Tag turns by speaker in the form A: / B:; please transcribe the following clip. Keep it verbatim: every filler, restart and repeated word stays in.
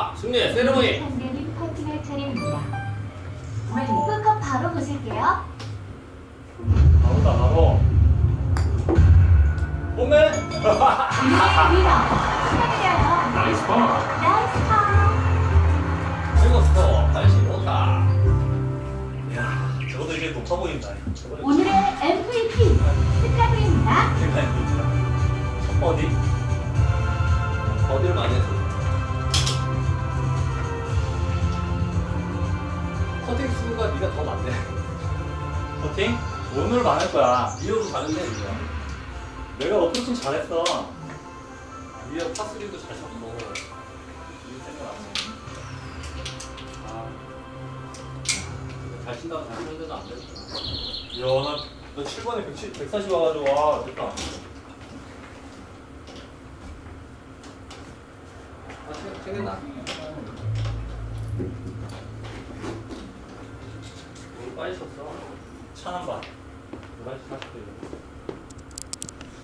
A: 자, 승리 세레모니.
B: 한대님 파이팅할 차례입니다. 홀컵 바로 보실게요.
C: 바로다 바로. 홈에.
B: 오늘의 위너 축하드려요.
C: 나이스 파.
B: 나이스 파.
A: 최고 스코어 팔십오 타.
C: 야, 저것도 이제 높아 보인다. 저거는
B: 오늘의 엠브이피 축하드립니다.
C: 굉장히 높다. 첫 버디.
A: 어디를 많이 했어? 커팅 수가 네가 더 많네.
C: 퍼팅? 오늘 많을 거야.
A: 리오도 잘했네, 리오.
C: 내가 어프로치 잘했어.
A: 리오 파스리도 잘 쳤고.
C: 이거 생각났어.
A: 아, 잘 친다고 잘 치는데도 안 됐어.
C: 야, 나, 너 칠 번에 백사십 와가지고, 와, 됐다.
A: 아, 챙- 챙겼나? 오늘 빨리 쳤어.
C: 찬한 반. 열한 시 사십 분.